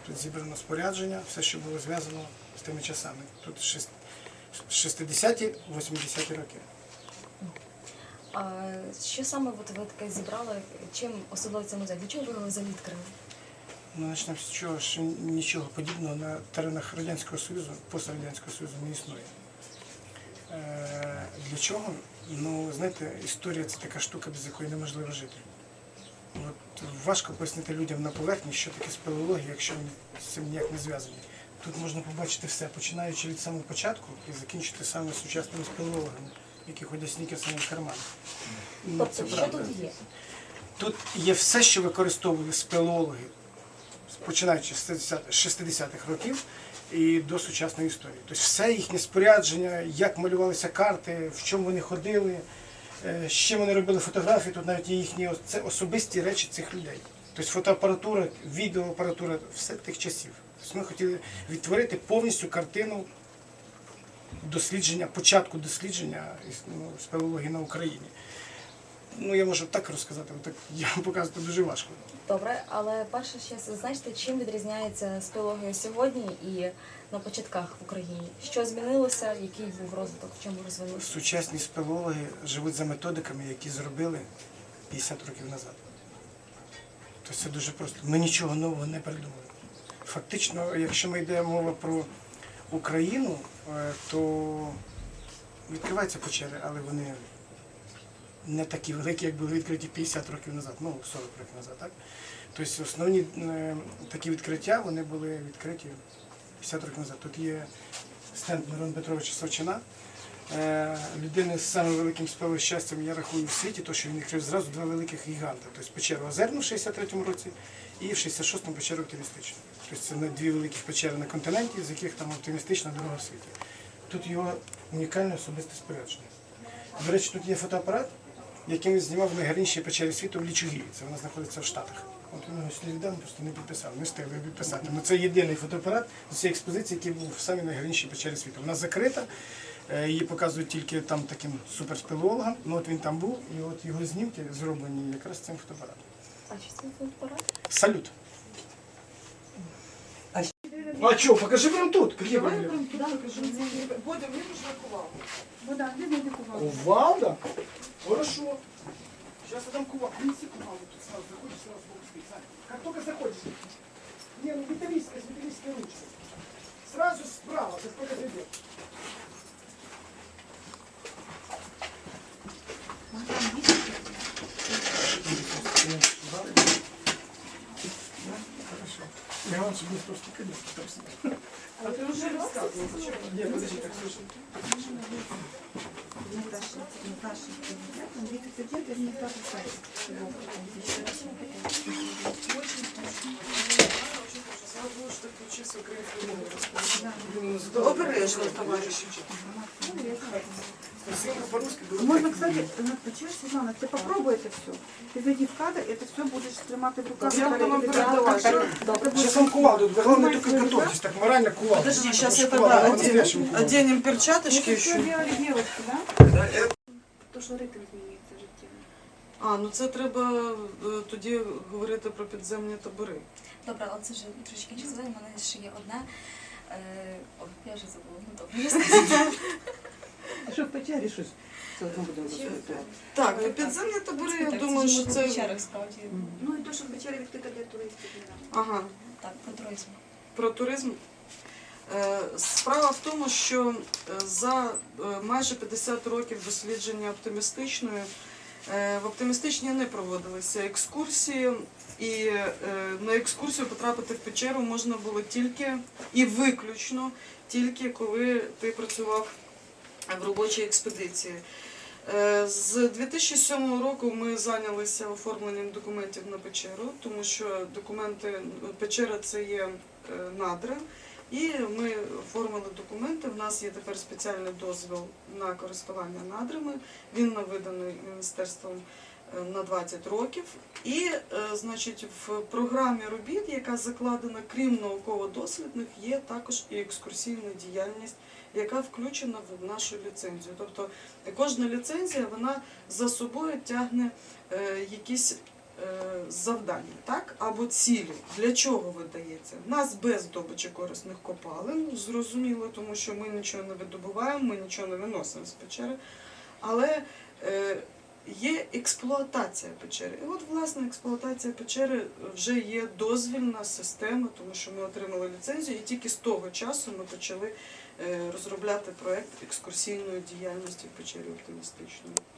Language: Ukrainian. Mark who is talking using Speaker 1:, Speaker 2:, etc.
Speaker 1: Тут зібрано спорядження, все, що було зв'язано з тими часами. Тут 60-ті, 80-ті роки.
Speaker 2: А що саме ви таке зібрали? Чим особливо це музей? Для чого ви його взагалі відкрили?
Speaker 1: Ну, почнемо з чого, що нічого подібного на теренах Радянського Союзу, пострадянського Союзу не існує. Для чого? Ну, знаєте, історія – це така штука, без якої неможливо жити. От важко пояснити людям на поверхні, що таке спелеологія, якщо вони з цим ніяк не зв'язані. Тут можна побачити все, починаючи від самого початку і закінчити саме сучасними спелеологами, які ходять снікерсами в карманах. Ну,
Speaker 2: Тобто, що тут є?
Speaker 1: Тут є все, що використовували спелеологи, починаючи з 60-х років і до сучасної історії. Тобто все їхнє спорядження, як малювалися карти, в чому вони ходили, з чим вони робили фотографії, тут навіть є їхні це особисті речі цих людей. Тобто фотоапаратура, відеоапаратура, все тих часів. Тобто ми хотіли відтворити повністю картину дослідження, початку дослідження спелеології на Україні. Ну, я можу так розказати, але так я вам показувати дуже важко.
Speaker 2: Добре, але перше ще зазначте, чим відрізняється спелеологія сьогодні і на початках в Україні? Що змінилося, який був розвиток, в чому розвивався?
Speaker 1: Сучасні спелеологи живуть за методиками, які зробили 50 років назад. Тобто це дуже просто. Ми нічого нового не придумали. Фактично, якщо ми йде мова про Україну, то відкриваються печери, але вони не такі великі, як були відкриті 50 років назад, ну 40 років назад, так? Тобто основні такі відкриття, вони були відкриті 50 років назад. Тут є стенд Мирона Петровича Савчина, людини з самим великим спелещастям, я рахую, в світі, тому що він відкрив зразу два великих гіганти. Тобто печеру Озерну в 63-му році і в 66-му печеру Оптимістичну. Тобто це дві великі печери на континенті, з яких там оптимістична дорога в світі. Тут його унікальне особисте спорядження. До речі, тут є фотоапарат, яким він знімав в найгарнішій печері світу в Лічугії. Це вона знаходиться в Штатах. От він його сюди віддав, просто не підписав, не встигли підписати. Ну, це єдиний фотоапарат з цієї експозиції, який був в самій найгарнішій печері світу. Вона закрита, її показують тільки там таким суперспелеологам. Ну от він там був, і от його знімки зроблені якраз цим фотоапаратом.
Speaker 2: А що це фотоапарат?
Speaker 1: Салют. А що, покажи прямо тут. Які проблеми?
Speaker 3: Бодя, мені нужна кувалда.
Speaker 4: Вода, де знайти кувалду?
Speaker 1: Кувалда? Хорошо. Сейчас я дам кувалду. Принеси кувалду. Тут сразу заходишь, сразу бок стоит. Как только заходишь. Не, ну металлическая, с металлической ручкой. Сразу справа, как только зайдет. Хорошо. Я вам сегодня просто конечно.
Speaker 3: А ти вже розказував.
Speaker 1: Нет, подожди, так слушай.
Speaker 4: Наташа, Андрей Петербург, это не Наташа Сайт.
Speaker 3: Обережно, товариш.
Speaker 4: Можно, кстати, почему, Светлана, ты попробуй это все. Ты зайди в кадр, это все будешь тримати в руках.
Speaker 3: Я буду вам передавати.
Speaker 1: Сейчас вам кувалду, главное только готовьтесь, так морально кувалду.
Speaker 3: Подожди, сейчас я
Speaker 1: Кувалда,
Speaker 3: тогда
Speaker 1: по-настоящему кувалду.
Speaker 3: оденем перчаточки
Speaker 4: Это все
Speaker 3: еще.
Speaker 4: делали девочки, да? То, що ритм змінюється життєво.
Speaker 3: А, ну це треба тоді говорити про підземні табори.
Speaker 2: Добре, але це вже трошки часове, у мене ще є одне. Я вже забула, ну добре.
Speaker 5: Що в печері щось? Це одно будемо розповідати.
Speaker 3: Так, ну підземні табори, я думаю, що це...
Speaker 2: Печерах, справді.
Speaker 4: Ну і то, що печері відкрита для туристів.
Speaker 3: Ага,
Speaker 2: Так, про туризм.
Speaker 3: про туризм. Справа в тому, що за майже 50 років дослідження оптимістичної в оптимістичній не проводилися екскурсії, і на екскурсію потрапити в печеру можна було тільки і виключно тільки коли ти працював в робочій експедиції. З 2007 року ми зайнялися оформленням документів на печеру, тому що документи, печера це є надра, і ми оформили документи. В нас є тепер спеціальний дозвіл на користування надрами, він виданий Міністерством на 20 років. І, значить, в програмі робіт, яка закладена, крім науково-дослідних, є також і екскурсійна діяльність, яка включена в нашу ліцензію. Тобто кожна ліцензія, вона за собою тягне якісь завдання, так? Або цілі. Для чого ви даєте? відбувається. У нас без добичі корисних копалин, зрозуміло, тому що ми нічого не видобуваємо, ми нічого не виносимо з печери, але є експлуатація печери. І от, власне, експлуатація печери вже є дозвільна система, тому що ми отримали ліцензію, і тільки з того часу ми почали розробляти проєкт екскурсійної діяльності в печері оптимістичної.